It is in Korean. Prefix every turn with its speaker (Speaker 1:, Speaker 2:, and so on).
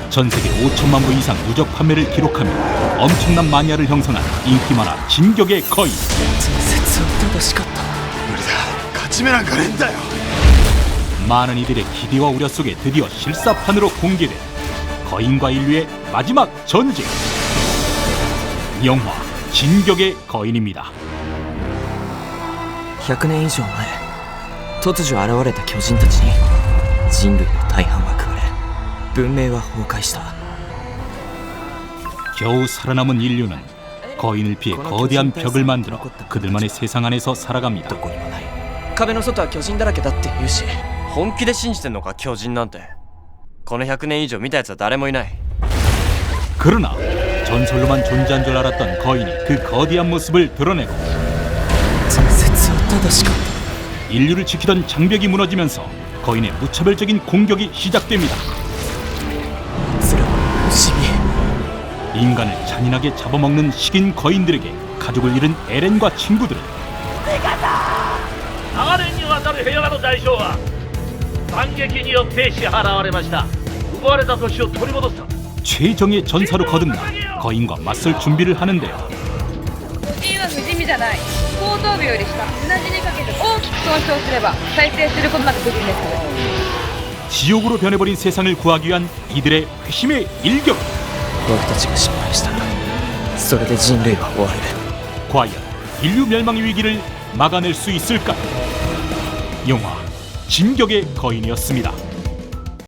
Speaker 1: 전 세계 5천만 부 이상 누적 판매를 기록하며 엄청난 마니아를 형성한 인기 만화 진격의 거인.
Speaker 2: 伝説は正しかった。
Speaker 3: 無理だ、勝ち目なんかねえんだよ。
Speaker 1: 많은 이들의 기대와 우려 속에 드디어 실사판으로 공개된 거인과 인류의 마지막 전쟁. 영화 진격의 거인입니다.
Speaker 2: 100年以上前、突如現れた巨人たちに人類の大半は食われ、文明は崩壊した。
Speaker 1: 겨우 살아남은 인류는 거인을 피해 거대한 벽을 만들어 그들만의 세상 안에서 살아갑니다.
Speaker 2: どこにもない。壁の外は巨人だらけだって言うし。
Speaker 4: 本気で信じてんのか巨人なんて。この100年以上見たやつは誰もいない。
Speaker 1: 그러나 전설로만 존재한 줄 알았던 거인이 그 거대한 모습을 드러내고
Speaker 2: 伝説は正しかった。
Speaker 1: 인류를 지키던 장벽이 무너지면서 거인의 무차별적인 공격이 시작됩니다.
Speaker 2: それは不死身。
Speaker 1: 인간을 잔인하게 잡아먹는 식인 거인들에게 가족을 잃은 에렌과 친구들은
Speaker 5: 長年にわたる平和の代償は惨劇によって支払われました。奪われた土地を取り戻すため
Speaker 1: 최정의 전사로 거듭나 거인과 맞설 준비를 하는데요.
Speaker 6: 死因は不死身じゃない。後頭部より下、うなじにかけて大きく損傷すれば再生することなく不死滅する。
Speaker 1: 지옥으로 변해버린 세상을 구하기 위한 이들의 회심의 일격.
Speaker 2: 僕たちが失敗したら、それで人類は終わる。
Speaker 1: 과연 인류 멸망의 위기를 막아낼 수 있을까? 영화 진격의 거인이었습니다.